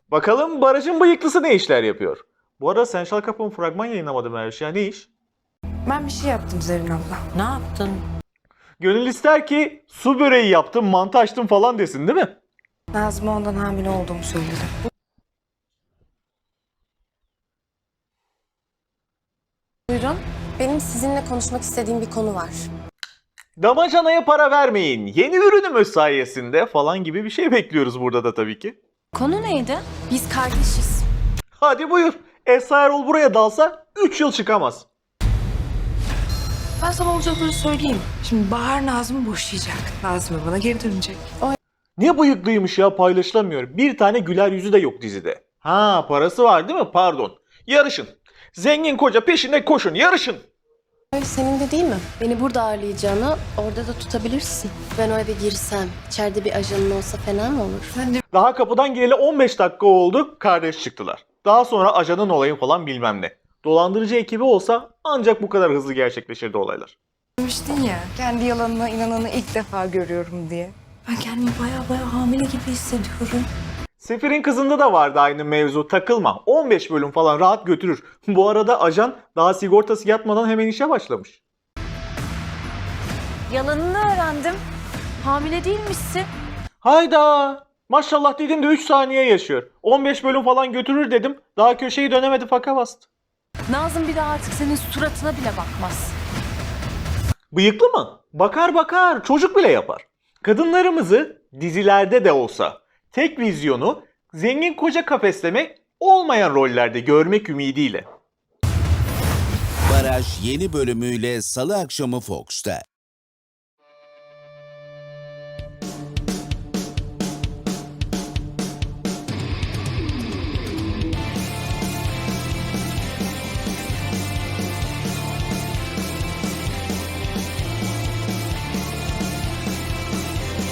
Bakalım Baraj'ın bıyıklısı ne işler yapıyor? Bu arada Sen Şal Kapı'nın fragman yayınlamadım her şey. Ne iş? Ben bir şey yaptım Zerrin abla. Ne yaptın? Gönül ister ki su böreği yaptım, mantı açtım falan desin değil mi? Nazım'a ondan hamile olduğumu söyledi. Buyurun. Benim sizinle konuşmak istediğim bir konu var. Damacanaya para vermeyin, yeni ürünümüz sayesinde falan gibi bir şey bekliyoruz burada da tabii ki. Konu neydi? Biz kardeşiz. Hadi buyur. Esra Erol buraya dalsa 3 yıl çıkamaz. Ben sana olacakları söyleyeyim. Şimdi Bahar Nazım'ı boşayacak. Nazım bana geri dönecek. Ne bıyıklıymış ya, paylaşılamıyor. Bir tane güler yüzü de yok dizide. Ha, parası var değil mi? Pardon. Yarışın. Zengin koca peşinde koşun, yarışın. Senin de değil mi? Beni burada ağırlayacağını orada da tutabilirsin. Ben o eve girsem, içeride bir ajanın olsa fena mı olur? Sen de Daha kapıdan gireli 15 dakika oldu, kardeş çıktılar. Daha sonra ajanın olayı falan bilmem ne. Dolandırıcı ekibi olsa ancak bu kadar hızlı gerçekleşirdi olaylar. demiştin ya. Kendi yalanına inananı ilk defa görüyorum diye. Ben kendimi baya hamile gibi hissediyorum. Sefir'in kızında da vardı aynı mevzu, takılma. 15 bölüm falan rahat götürür. Bu arada ajan daha sigortası yatmadan hemen işe başlamış. Yalanını öğrendim. Hamile değilmişsin. Hayda! Maşallah dedim de 3 saniye yaşıyor. 15 bölüm falan götürür dedim. Daha köşeyi dönemedi, faka bastı. Nazım bir daha artık senin suratına bile bakmaz. Bıyıklı mı? Bakar bakar, çocuk bile yapar. Kadınlarımızı dizilerde de olsa tek vizyonu zengin koca kafeslemek, olmayan rollerde görmek ümidiyle. Baraj yeni bölümüyle Salı akşamı Fox'ta.